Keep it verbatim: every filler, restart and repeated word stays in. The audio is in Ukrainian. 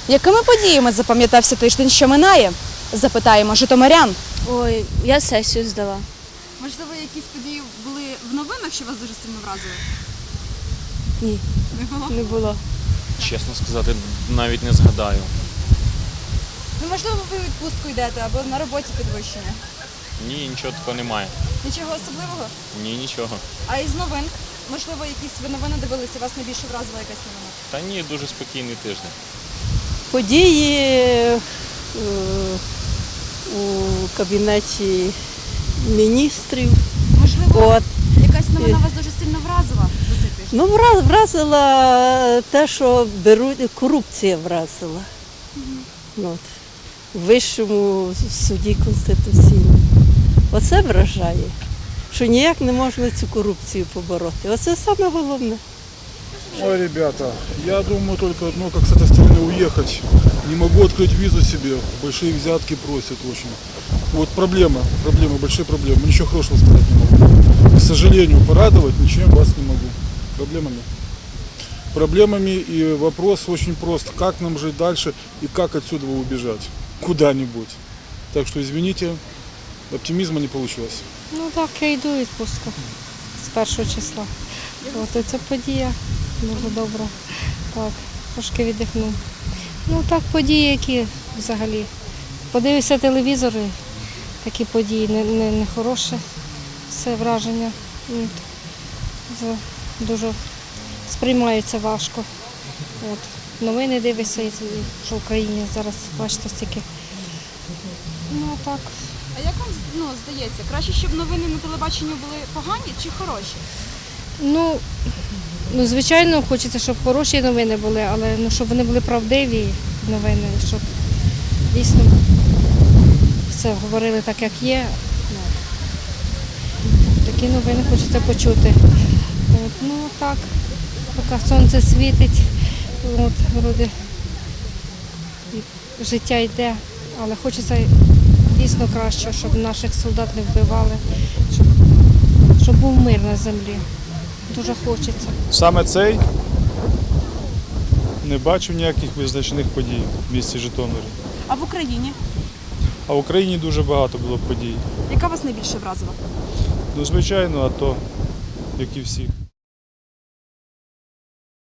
Якими подіями запам'ятався тиждень, що минає? Запитаємо житомирян. Ой, я сесію здала. Можливо, якісь події були в новинах, що вас дуже сильно вразили? Ні, Не було? не було. Чесно сказати, навіть не згадаю. Ну, можливо, ви у відпустку йдете або на роботі підвищення. Ні, нічого такого немає. Нічого особливого? Ні, нічого. А із новин? Можливо, якісь ви новини дивилися, вас найбільше вразила якась новина? Та ні, дуже спокійний тиждень. Події е, у кабінеті міністрів. Можливо, От. якась новина вас дуже сильно вразила за цей тиждень? Ну, вра- вразила те, що беруть, корупція вразила. От. В Вищому суді Конституційному. Оце вражає, що ніяк не можна цю корупцію побороти. Оце саме головне. Ой, ребята, я думаю только одно, как с этой страны уехать. Не могу открыть визу себе, большие взятки просят очень. Вот проблема, проблема, большие проблемы. Ничего хорошего сказать не могу. К сожалению, порадовать ничем вас не могу. Проблемами. Проблемами, и вопрос очень прост. Как нам жить дальше и как отсюда убежать? Куда-нибудь. Так что, извините, оптимизма не получилось. Ну так, я йду у відпустку з першого числа. От і ця подія дуже добра. Так, трошки віддихну. Ну так, події, які взагалі. Подивився телевізор, і такі події не, не, не хороше, все враження. От. Це дуже сприймається важко. От. Новини дивишся, і що в Україні зараз, бачите, стільки. Ну так. А як вам ну, здається, краще, щоб новини на телебаченні були погані чи хороші? Ну, ну, звичайно, хочеться, щоб хороші новини були, але ну, щоб вони були правдиві новини, щоб дійсно все говорили так, як є. Ну, такі новини хочеться почути. От, ну так, поки сонце світить, от, вроде, і життя йде, але хочеться дійсно краще, щоб наших солдат не вбивали, щоб, щоб був мир на землі. Дуже хочеться. Саме цей не бачив ніяких визначних подій в місті Житомирі. А в Україні? А в Україні дуже багато було подій. Яка вас найбільше вразила? Ну, звичайно, а то, як і всі.